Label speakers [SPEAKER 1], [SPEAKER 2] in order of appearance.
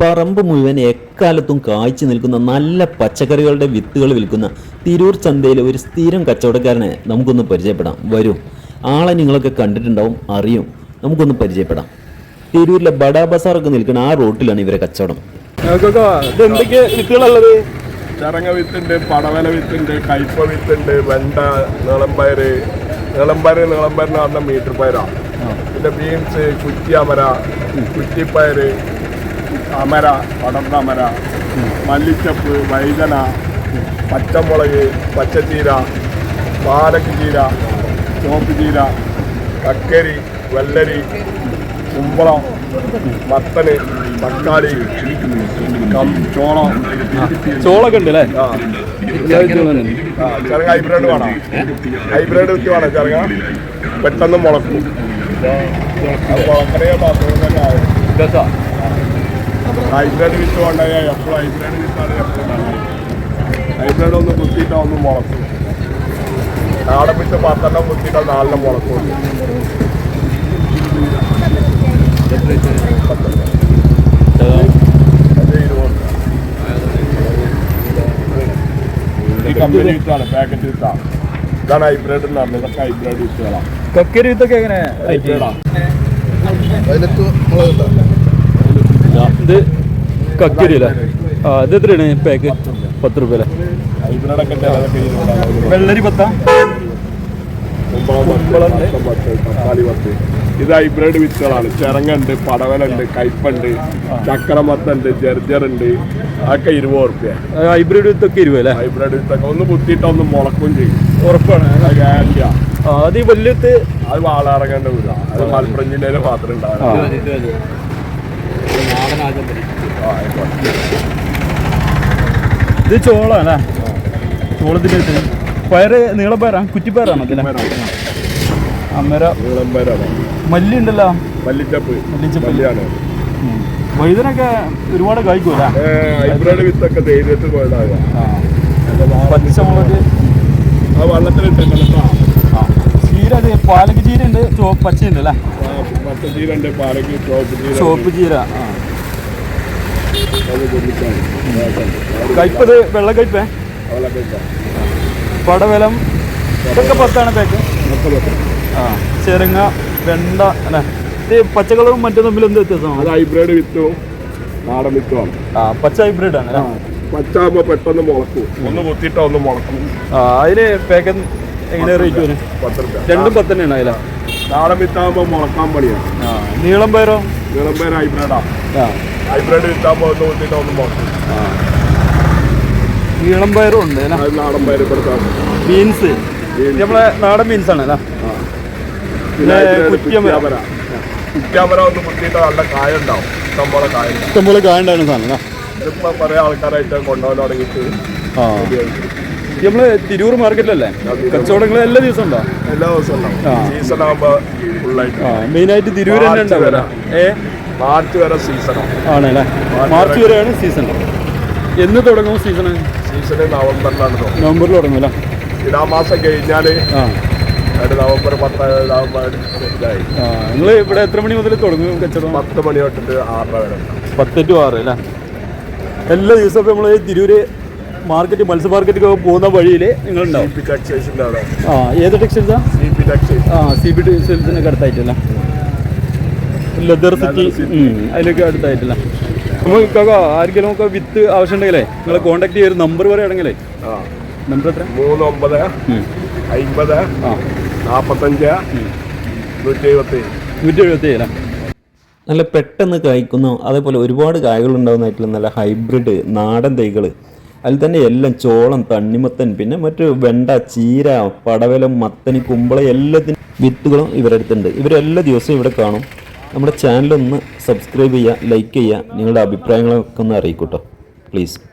[SPEAKER 1] പറമ്പ് മുഴുവൻ എക്കാലത്തും കായ്ച്ചു നിൽക്കുന്ന നല്ല പച്ചക്കറികളുടെ വിത്തുകൾ വിൽക്കുന്ന തിരൂർ ചന്തയിലെ ഒരു സ്ഥിരം കച്ചവടക്കാരനെ നമുക്കൊന്ന് പരിചയപ്പെടാം. വരും, ആളെ നിങ്ങളൊക്കെ കണ്ടിട്ടുണ്ടാവും, അറിയും. നമുക്കൊന്ന് പരിചയപ്പെടാം. തിരൂരിലെ ബഡാ ബസാറൊക്കെ നിൽക്കുന്ന ആ റോട്ടിലാണ് ഇവരെ കച്ചവടം.
[SPEAKER 2] എന്തൊക്കെ വിത്തുകളുള്ളത്?
[SPEAKER 3] ചരങ്ങ വിത്തുണ്ട്, പടവല വിത്തുണ്ട്, കയ്പ വിത്തുണ്ട്, വെണ്ട, നീളമ്പയർ നീളമ്പയറിന് പറഞ്ഞ മീറ്റർ പയറാണ്. പിന്നെ ബീൻസ്, കുറ്റിയമര, കുറ്റിപ്പയർ, അമര, പടർന്ന അമര, മല്ലിച്ചപ്പ്, വൈതന, പച്ചമുളക്, പച്ചച്ചീര, പാലക്ക് ചീര, ചുവപ്പ് ചീര, കക്കരി, വെള്ളരി, കുമ്പളം, മത്തന്, തക്കാളി,
[SPEAKER 2] ചോളൊക്കെ ഉണ്ട് അല്ലേ?
[SPEAKER 3] ചെറുങ്ങ ഹൈബ്രിഡ് വേണം, ഹൈബ്രിഡ് വിത്ത് വേണം. ചെറുങ്ങ പെട്ടെന്ന് മുളക്കും. മുളക്കണേ മാത്രം തന്നെ ആവും. ഹൈബ്രിഡ് വിത്ത് വേണ്ടായ എപ്പോഴും ഹൈബ്രിഡ് വിത്താണ് എപ്പോഴും. ഹൈബ്രിഡ് ഒന്ന് കുത്തിയിട്ടാൽ ഒന്ന് മുളക്കും. നാടൻ വിത്ത് 10 കുത്തിയിട്ടാൽ 4 മുളക്കും. ഈ കമ്പനി വിത്താണ്, പാക്കറ്റ് വിത്താണ്. ഇതാണ് ഹൈബ്രിഡ് എന്ന് പറഞ്ഞത്. ഇതൊക്കെ ഹൈബ്രിഡ് വിത്തുകളാണ്.
[SPEAKER 2] കക്കരി വിത്തൊക്കെ എങ്ങനെ? ഇത് കക്കരി അല്ലേ? ഇത് എത്രയാണ് പാക്ക്? 10 രൂപ അല്ലേ?
[SPEAKER 3] ഹൈബ്രിഡൊക്കെ ചിലതൊക്കെ
[SPEAKER 2] വെള്ളരി 10,
[SPEAKER 3] തക്കാളി 10. ഇത് ഹൈബ്രിഡ് വിത്തുകളാണ്. ചിറങ്ങുണ്ട്, പടവലുണ്ട്, കയ്പുണ്ട്, ചക്രമത്തുണ്ട്, ജർജറുണ്ട്. അതൊക്കെ 20 റുപ്യ.
[SPEAKER 2] ഹൈബ്രിഡ് വിത്തൊക്കെ 20 അല്ലേ?
[SPEAKER 3] ഹൈബ്രിഡ് വിത്തൊക്കെ ഒന്ന് കുത്തിയിട്ട് ഒന്ന് മുളക്കും ചെയ്യും.
[SPEAKER 2] ഉറപ്പാണ്.
[SPEAKER 3] ഗ്യാരണ്ടിയാ.
[SPEAKER 2] അത് ഈ വലിയ വിത്ത്
[SPEAKER 3] അത് വാളാറങ്ങേണ്ട വീട. അത് മലപ്പുറം ജില്ലയിൽ മാത്രം ഉണ്ടാകും.
[SPEAKER 2] ഇത് ചോളാണല്ലേ? ചോളത്തിന്റെ വിത്ത്. പയറ് നീളപ്പയറാണ്, കുറ്റിപ്പയറാണ് അതിലെ? അമര,
[SPEAKER 3] നീളമ്പയറാണ്.
[SPEAKER 2] മല്ലി ഉണ്ടല്ലോ,
[SPEAKER 3] മല്ലിച്ചപ്പ്,
[SPEAKER 2] മല്ലിയാണ്. വഴുതനൊക്കെ ഒരുപാട് കായ്ക്കൂല.
[SPEAKER 3] ഹൈബ്രിഡ് വിത്തൊക്കെ ധൈര്യത്തിൽ പോയതാകുക.
[SPEAKER 2] പച്ചമുളക്
[SPEAKER 3] ആ വെള്ളത്തിലിട്ടല്ലോ.
[SPEAKER 2] ചീര, അത് പാലക്ക് ചീര ഉണ്ട്, പച്ചയുണ്ട് അല്ലേ?
[SPEAKER 3] പച്ചച്ചീര ഉണ്ട്, പാലക്ക്,
[SPEAKER 2] ചുവപ്പ് ചീര. കയ്പത് വെള്ളക്കയ്പേ? പടവലം ഇതൊക്കെ 10 പാക്ക്. ചെറുങ്ങ, വെണ്ട അല്ലേ? ഇത് പച്ചക്കളറും മറ്റും തമ്മിൽ എന്ത് വ്യത്യാസമാണ്?
[SPEAKER 3] അത് ഹൈബ്രിഡ് വിത്തും നാടൻ വിത്തുമാണ്.
[SPEAKER 2] പച്ച ഹൈബ്രിഡ് ആണ്.
[SPEAKER 3] പച്ചാകുമ്പോൾ പെട്ടെന്ന് മുളക്കും. ഒന്ന് കുത്തിയിട്ടോ ഒന്ന് മുളക്കും.
[SPEAKER 2] അതിന് പാക്ക് എങ്ങനെ റേറ്റ് വരും?
[SPEAKER 3] 10 രൂപ.
[SPEAKER 2] രണ്ടും 10 തന്നെയാണ് അതില?
[SPEAKER 3] നാടൻ വിത്താകുമ്പോൾ മുളക്കാൻ പണിയാണ്.
[SPEAKER 2] നീളം പയറോ?
[SPEAKER 3] നീളം പയർ ഹൈബ്രിഡാണ്. ഹൈബ്രിഡ് വിത്താകുമ്പോൾ ഒന്ന് കുത്തിയിട്ടോ ഒന്ന് മുളക്കും.
[SPEAKER 2] നീളം പയറും ഉണ്ട്.
[SPEAKER 3] നാടൻ പയർ
[SPEAKER 2] ബീൻസ് നമ്മളെ നാടൻ ബീൻസ് ആണ് അല്ലേ?
[SPEAKER 3] കുറ്റിയമര ഒന്ന് കുത്തിയിട്ട് നല്ല കായ ഉണ്ടാവും. ഇഷ്ടംപോലെ കായ ഉണ്ടാവും.
[SPEAKER 2] ഇഷ്ടംപോലെ കായ ഉണ്ടാകുന്ന സാധനം.
[SPEAKER 3] ഇതിപ്പോ കുറെ ആൾക്കാരായിട്ട് കൊണ്ടുപോകാൻ തുടങ്ങിയിട്ട്
[SPEAKER 2] നമ്മള് തിരൂർ മാർക്കറ്റിലല്ലേ കച്ചവടങ്ങൾ എല്ലാ ദിവസവും ഉണ്ടോ?
[SPEAKER 3] എല്ലാ ദിവസവും ഉണ്ടാവും. സീസൺ ആകുമ്പോൾ ഫുള്ളായിട്ട്.
[SPEAKER 2] മെയിനായിട്ട് തിരൂർ തന്നെ ഉണ്ടാവില്ല.
[SPEAKER 3] മാർച്ച് വരെ സീസണാണ്.
[SPEAKER 2] ആണല്ലേ? മാർച്ച് വരെയാണ് സീസൺ. എന്ന് തുടങ്ങും സീസണ്?
[SPEAKER 3] സീസണ് നവംബറിലാണ് തുടങ്ങും.
[SPEAKER 2] നവംബറിൽ തുടങ്ങുമല്ലോ?
[SPEAKER 3] തുലാമാസം കഴിഞ്ഞാല് നവംബർ 10 ഇതായി.
[SPEAKER 2] നിങ്ങൾ ഇവിടെ എത്ര മണി മുതൽ തുടങ്ങും കച്ചവടം?
[SPEAKER 3] 10 മണി തൊട്ടിട്ട് 6 വരെ.
[SPEAKER 2] 10 to 6 അല്ലേ? എല്ലാ ദിവസവും നമ്മൾ തിരൂര് മാർക്കറ്റ്, മത്സ്യ മാർക്കറ്റ് പോകുന്ന വഴിയിൽ നിങ്ങളുണ്ടാവും.
[SPEAKER 3] ടെക്സ്റ്റൈൽസിന്റെ അവിടെ.
[SPEAKER 2] ഏത് ടെക്സ്റ്റൈൽസാ? CP ടെക്സ്റ്റൈൽസിനൊക്കെ അടുത്തായിട്ടല്ല? ലെതർ സിറ്റി അതിലൊക്കെ അടുത്തായിട്ടില്ല? നമുക്ക് ആർക്കെങ്കിലും ഒക്കെ വിത്ത് ആവശ്യമുണ്ടെങ്കിലേ നിങ്ങളെ കോൺടാക്ട് ചെയ്തൊരു നമ്പർ പറയുകയാണെങ്കിലേ. നമ്പർ എത്ര?
[SPEAKER 3] 3950 45 177
[SPEAKER 2] അല്ലേ?
[SPEAKER 1] നല്ല പെട്ടെന്ന് കായ്ക്കുന്ന, അതേപോലെ ഒരുപാട് കായകൾ ഉണ്ടാകുന്നതായിട്ടുള്ള നല്ല ഹൈബ്രിഡ് നാടൻ തൈകൾ. അതിൽ തന്നെ എല്ലാം ചോളം, തണ്ണിമത്തൻ, പിന്നെ മറ്റു വെണ്ട, ചീര, പടവലം, മത്തനി, കുമ്പള എല്ലാത്തിനും വിത്തുകളും ഇവരുടെ അടുത്തുണ്ട്. ഇവരെല്ലാ ദിവസവും ഇവിടെ കാണും. നമ്മുടെ ചാനലൊന്ന് സബ്സ്ക്രൈബ് ചെയ്യുക, ലൈക്ക് ചെയ്യുക, നിങ്ങളുടെ അഭിപ്രായങ്ങളൊക്കെ ഒന്ന് അറിയിക്കൂട്ടോ പ്ലീസ്.